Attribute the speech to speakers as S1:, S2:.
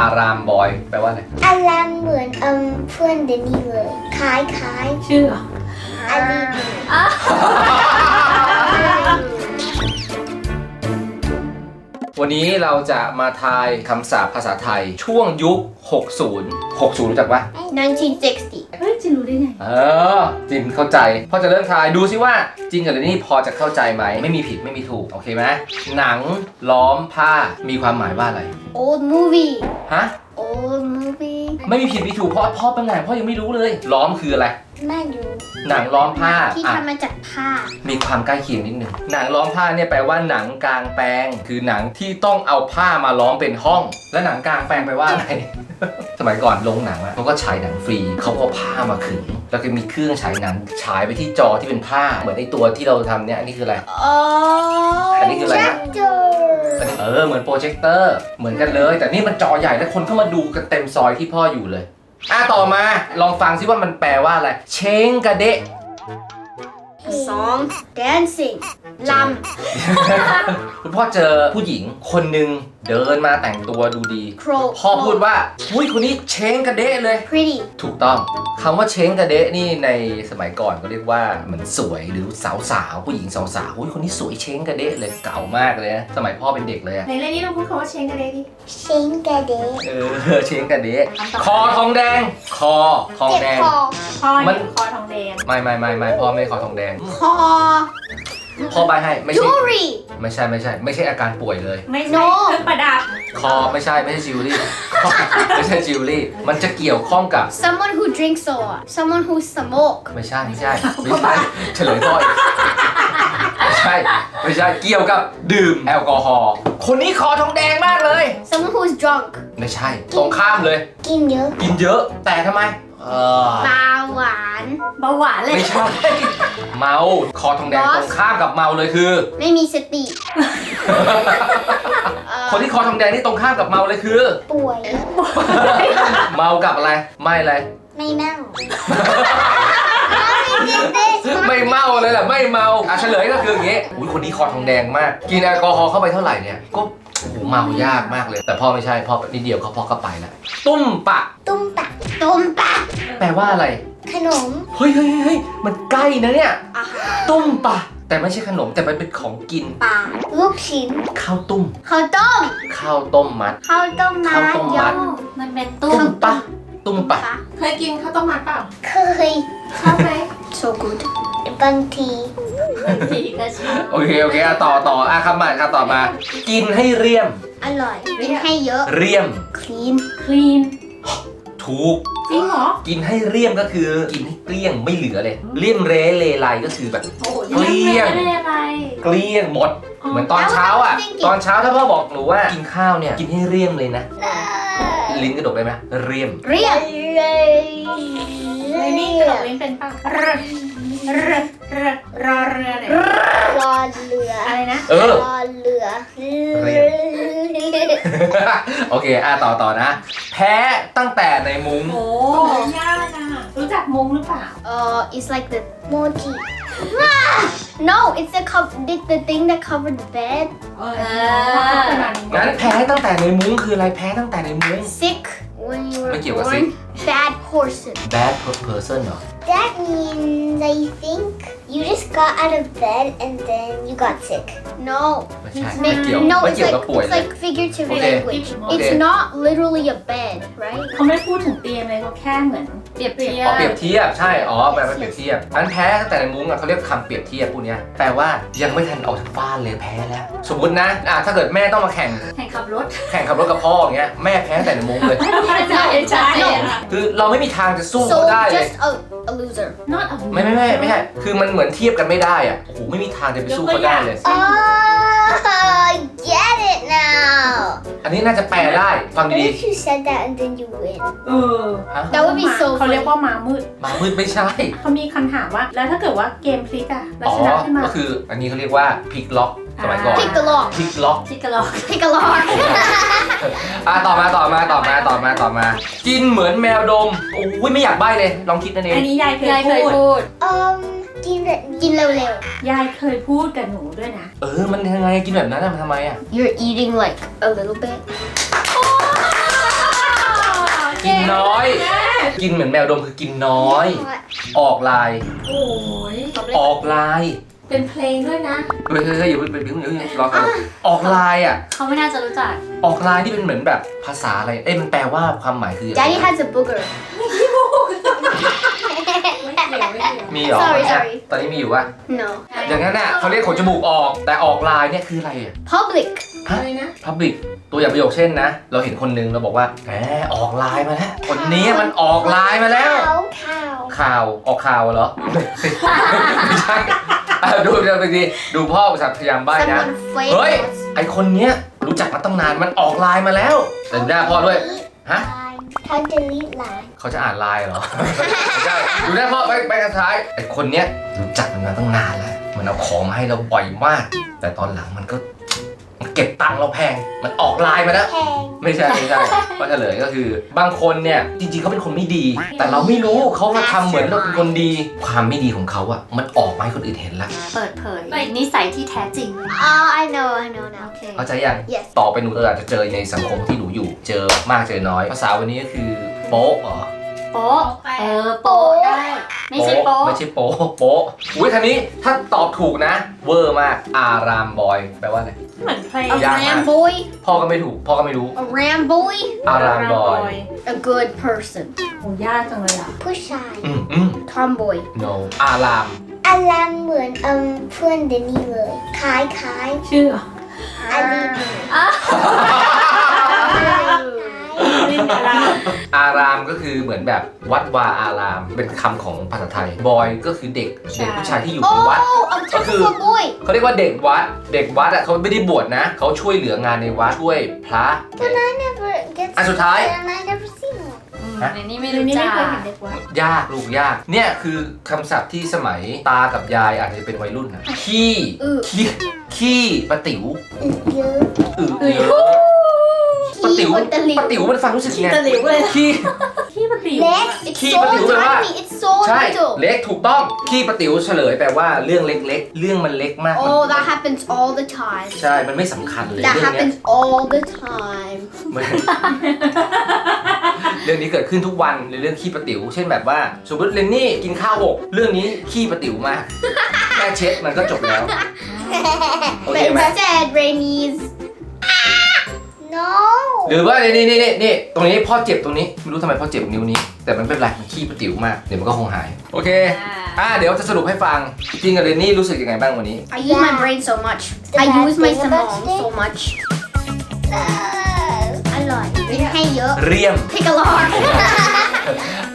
S1: ารามบอยแปลว่าอะไร
S2: อารามเหมือนเพื่อนเดนนี่เลยคล้าย
S3: ชื่อเหรอ
S2: อาลี
S1: วันนี้เราจะมาทายคำศัพท์ภาษาไทยช่วงยุค 60 รู้จักปะ
S2: 1960
S3: เฮ้ยจะรู้ได้ไง
S1: จินเข้าใจพ่อจะเริ่มทายดูซิว่าจริงกับเรนนี่พอจะเข้าใจไหมไม่มีผิดไม่มีถูกโอเคไหมหนังล้อมผ้ามีความหมายว่าอะไร
S2: old movie
S1: ฮะ
S2: old movie
S1: ไม่มีผิดมีถูกเพราะพ่อเป็นไงพ่อยังไม่รู้เลยล้อมคืออะไร
S2: ไม่รู้
S1: หนังล้อมผ้า
S2: ที่
S1: อ่ะ
S2: ทำมาจากผ้า
S1: มีความใกล้เคียงนิดนึงหนังล้อมผ้าเนี่ยแปลว่าหนังกลางแปลงคือหนังที่ต้องเอาผ้ามาล้อมเป็นห้อง และหนังกลางแปลงแปลว่าอะไร สมัยก่อนโรงหนังอะเขาก็ฉายหนังฟรีเขาก็เอาผ้ามาขึงแล้วก็มีเครื่องฉายหนังฉายไปที่จอที่เป็นผ้าเหมือนไอตัวที่เราทำเนี่ยอันนี้คืออะไร อันนี้คืออะไรนะ เหมือนโปรเจคเตอร์เหมือนกันเลย แต่นี่มันจอใหญ่แล้วคนเข้ามาดูกันเต็มซอยที่พ่ออยู่เลยต่อมาลองฟังซิว่ามันแปลว่าอะไรเช้งกระเดะ
S2: song dancing ล
S1: คุณพ่อเจอผู้หญิงคนหนึ่งเดินมาแต่งตัวดูดี
S2: ำ crow
S1: พ่อพูดว่าอุ้ยคนนี้เช้งกระเดะเลย
S2: pretty
S1: ถูกต้องคำว่าเช้งกระเดะนี่ในสมัยก่อนก็เรียกว่าเหมือนสวยหรือสาวๆผู้หญิงสาวๆอุ้ยคนนี้สวยเช้งกระเดะเลยเก่ามากเลยนะสมัยพ่อเป็นเด็กเลยอะ
S3: ในเรื่องนี้เราพูดคำว่าเชงกันเลยดิ
S2: เชงกระเดะ
S1: เช้งกระเดะคอทองแดงคอทอง
S2: เจ็บ
S1: แดง
S2: คอ
S3: พ่อ
S1: มัน
S3: เนี่ยคอทองแดง
S1: ไม่พ่อไม่คอทองแดง
S2: คอ
S1: พ่อใบให้ไม่ใช่
S2: jewelry
S1: ไม่ใช่อาการป่วยเลย
S3: ไม่
S2: โน้
S3: ใช่เครื่องประดับ
S1: คอไม่ใช่จิวเวลรี่ ไม่ใช่จิวเวลรี่มันจะเกี่ยวข้องกับ
S2: someone who drinks soda someone who smoke
S1: ไม่ใช่เฉลยพ่ออีกไม่ใช่เกี่ยวกับดื่มแอลกอฮอล์คนนี้คอทองแดงมากเลย
S2: someone who's drunk
S1: ไม่ใช่ตรงข้ามเลย
S2: กินเยอะ
S1: กินเยอะแต่ทำไม
S2: เบาหวาน
S3: เบาหวานเลย
S1: ไม่ใช่เมาคอทองแดงตรงข้ามกับเมาเลยคือ
S2: ไม่มีสติ
S1: คนที่คอทองแดงนี่ตรงข้ามกับเมาเลยคือ
S2: ป่วย
S1: เมากับอะไรไม่อะไร
S2: ไม่เมา
S1: ไม่เมาเลยแหละไม่เมาเฉลยก็คืออย่างงี้อุ้ยคนนี้คอทองแดงมากกินแอลกอฮอล์เข้าไปเท่าไหร่เนี่ยก็เมายากมากเลยแต่พ่อไม่ใช่พ่อนิดเดียวพ่อก็ไปแล้วตุ้มปะ
S2: ตุ้มปะ
S1: แปลว่าอะไร
S2: ขนม
S1: เฮ้ยมันใกล้นะเนี่ย
S2: อาหาร
S1: ตุ้มปะแต่ไม่ใช่ขนมแต่มันเป็นของกิน
S2: ปลาลูกชิ้น
S1: ข้าวตุ้ม
S2: ข้าวต้ม
S1: ข้าวต้มมัด
S2: ข้าวต้มมั
S1: ข้าว
S2: ด
S1: ต้ม
S2: ย
S1: มัด
S3: มันเป็นตุ้ม
S1: ปะตุ้มปะ
S3: เคยกินข้าวต้มมัดเปล่า
S2: เคย
S3: ชอบไหม
S2: so good บางที
S3: ดีก็ชอบ
S1: โอเคต่อคำใหม่ครับต่อมา กินให้เรียม
S2: อร่อยกินให้เยอะ
S1: เรียม
S2: clean
S3: คลีน
S1: ถูก
S3: จริงเหรอ
S1: กินให้เรียมก็คือกินให้เกลี้ยงไม่เหลือเลยเลี่ยมเรเลไลก็คือแบบ
S3: โอ้โห
S1: เกลี้ยง
S3: ไม่ได้อะไร
S1: เกลี้ยงหมด เหมือนตอนเช้าอ่ะ ตอนเช้าถ้าพ่อบอกหนูว่ากินข้าวเนี่ยกินให้เรียมเลยนะ ลิ้นกระดกได้ไหมเรียม
S2: เรียบ
S3: เลยนี่กระดกลิ้นเป็นเปล่าเรือเนี่ย
S2: รอเรือ
S3: อะไรนะ
S1: เออ
S2: รอเรือ
S1: โอเคต่อนะ แพ้ตั้งแต่ในมุ้ง
S3: โอ้ยากอ่ะรู้จักมุ้งหรือเปล่า
S2: it's like the mochi no it's the thing that covered the bed
S1: งั้นแพ้ตั้งแต่ในมุ้งคืออะไรแพ้ตั้งแต่ในมุ้ง
S2: sick when you were
S1: ไม่เกี่ยวกับ
S2: born
S1: sick
S2: bad person
S1: bad person เหรอ
S2: that means I think you just got out of bed and then you got sick no
S1: ไม่ใช่ไม่เกี่ยว
S2: no
S1: ไม่
S2: it's
S1: เกี่ยว
S2: like
S1: กับป่วย
S2: it's
S1: เลย
S2: like figurative
S1: Okay.
S2: language
S1: Okay.
S2: it's not literally a bed right
S3: เขาไม่พูดถึงเตียงเลยเขาแค่เหมือนเปรียบเทีย
S1: เปรียบเทียบใช่แปลว่าเปรียบเทียบอันแพ้ตั้งแต่ในมุ้งเขาเรียกคำเปรียบเทียบพวกนี้แปลว่ายังไม่ทันออกจากบ้านเลยแพ้แล้วสมมตินะถ้าเกิดแม่ต้องมาแข่งขับรถกับพ่ออย่างเงี้ยแม่แพ้ตั้งแต่ในมุ้งเลย
S3: ใช่
S1: คือเราไม่มีทางจะสู้
S2: so
S1: เขาได้เลย
S2: just a loser
S3: not a
S1: ไม่ใช่ คือมันเหมือนเทียบกันไม่ได้อ่ะโอ้โหไม่มีทางจะไปสู้เขาได้เลย
S2: I get it now
S1: อันนี้น่าจะแปลได้ฟัง
S2: what
S1: ดี
S2: if you said that and then you win
S3: เออ
S1: ๆฮะ
S2: that would be so
S3: เขาเรียกว่าม้ามืด
S1: มามืดไม่ใช่
S3: เขามีคำถามว่า แล้วถ้าเกิดว่าเกมพลิกอะแล้ว
S1: อ๋อ
S3: ชนะขึ้นมา
S1: ก็คืออันนี้เขาเรียกว่าพลิกล็อกสมัยก่อน
S2: pick a lock
S1: พลิกล็อก
S3: พลิกกันหรอ
S2: pick a lock
S1: ต่อมากินเหมือนแมวดมโอ้ยไม่อยากใบ้เลยลองคิดนั่นเอง
S3: อันนี้ยายเคยพูด
S2: กินเร็วย
S3: ายเคยพูดกับหนูด้วยนะ
S1: มันยังไงกินแบบนั้นมันทำไมอ่ะ
S2: ๆ you're eating like a little bit
S1: กินน้อย กินเหมือนแมวดมคือกินน้อย ออกลาย
S3: โอ้ย
S1: ออกลาย
S3: เป็นเพลงด้วยนะ
S1: เฮ้ยอย่าเป็นรอกันออกลายอ่ะ
S3: เขาไม่น่าจะรู้จัก
S1: ออกลายนี่เป็นเหมือนแบบภาษาอะไร มันแปลว่าความหมายคือ
S2: Daddy has a booger.
S1: มีเหรอ
S2: Sorry.
S1: ตอนนี้มีอยู่ป่ะ
S2: No.
S1: อย่างนั้นน่ะเขาเรียกขนจมูกออก แต่ออกลายเนี่ยคืออะไรอ่ะ
S2: Public.
S3: อะไรนะ
S1: Public ตัวอย่างประโยคเช่นนะ เราเห็นคนนึงเราบอกว่าแหมออกลายมาแล้ว คนนี้มันออกลายมาแล้ว
S2: Cow.
S1: ข่าวออกข่าวเหรอ ไม่ใช่ดูไปดีดูพ่อภาษาพยายามใบ้นะ
S2: Someone
S1: เฮ้ย
S2: famous.
S1: ไอคนเนี้ยรู้จักมาตั้งนานมันออกไลน์มาแล้วแต่ดูหน้าพ่อด้วย ฮะ
S2: How to delete line.
S1: เขาจะอ่านไลน์เหรอ ไม่ใช่ดูหน้าพ่อไปกันท้ายไอคนเนี้ยรู้จักมันมาตั้งนานแล้วมันเอาของมาให้เราบ่อยมาก แต่ตอนหลังมันเก็บตังค์เราแพงมันออกไลน์มาแล้ว
S2: Hang.
S1: ไม่ใช่ก็เฉลยก็คือบางคนเนี่ยจริงๆเขาเป็นคนไม่ดี แต่เราไม่รู้เขามาทำเหมือนเราเป็นคนดี ความไม่ดีของเขาอะมันออกมาให้คนอื่นเห็นแล้ว
S3: เปิดเผยนิสัยที่แท้จริง
S2: Oh, I know now.
S3: โอเค
S1: เข้าใจยัง
S2: Yes.
S1: ต่อไปหนูอาจจะเจอในสังคมที่หนูอยู่ เจอมากเจอน้อย ภาษาวันนี้ก็คือโป๊ะเหรอ
S3: โป๊ะโป๊ะได้ ไม่ใช่โป๊ะ
S1: ไม่ใช่โป๊ะโป๊ะอุ้ยทีนี้ถ้าตอบถูกนะ เวอร์มาก อารามบอย แปลว่าอะไร
S3: เหมือนเพลง
S2: A
S1: Yeah.
S2: ram boy.
S1: พ่อก็ไม่ถูก พ่อก็ไม่รู้
S2: A ram boy.
S1: อารามบอย
S2: A good person.
S3: โอ้ยากจังเลยอ่ะ
S2: ผู้ชาย Tomboy.
S1: no อาราม
S2: อารามเหมือนเพื่อนเดนนี่เลยคล้าย
S3: ชื่อ
S2: อันนี้
S1: อารามก็คือเหมือนแบบวัดวาอาราม เป็นคำของภาษาไทย บอยก็คือเด็กผู้ชายที่อยู่ในวัด
S2: I'm talking for boy
S1: เขาเรียกว่าเด็กวัด เด็กวัดอ่ะเขาไม่ได้บวชนะ เขาช่วยเหลืองานในวัด ช่วยพระ
S2: But I never get
S1: อันสุดท้าย
S2: and I never seen one
S3: ในนี้ไม่รู้จัก
S1: ยากลูกยาก เนี่ยคือคำศัพท์ที่สมัยตากับยายอาจจะเป็นวัยรุ่นนะขี้ปะติ๋ว
S2: เยอะ
S1: เยอะปะติ๋ว
S2: ขี้ปะติ๋ว
S1: ปะติ๋วมันฟังรู้สึกไง
S3: ตะหลิวเลย
S1: ขี้
S3: ขี้ปะติ๋ว
S2: เล็ก it's
S1: ขี้
S2: so
S1: ปะติ๋วแปลว่า
S2: tiny it's so
S1: ใช่
S2: little
S1: เล็กถูกต้องขี้ปะติ๋วเฉลยแปลว่าเรื่องเล็กๆ เรื่องมันเล็กมาก
S2: oh that happens all the time
S1: ใช่ มันไม่สำคัญเลย
S2: that
S1: เรื่องเนี้ย
S2: happens all the time
S1: เรื่องนี้เกิดขึ้นทุกวันในเรื่องขี้ปะติ๋วเช่นแบบว่าสมมติเรนนี่กินข้าวหกเรื่องนี้ขี้ปะติ๋วมากแค่เช็ดมันก็จบแล้ว โอเค
S2: but
S1: ไหม
S2: instead Rainy's no
S1: หรือว่านี่ตรงนี้พ่อเจ็บตรงนี้ไม่รู้ทำไมพ่อเจ็บนิ้วนี้ แต่มันไม่เป็นไรมันขี้ปะติ๋วมากเดี๋ยวมันก็คงหายโอเคเดี๋ยวจะสรุปให้ฟังจริงกับเรนนี่รู้สึกยังไงบ้างวันนี้
S2: I use my brain so much I use my stomach so much อร่อยกินให้เยอะ
S1: เรียม
S2: Pick a lot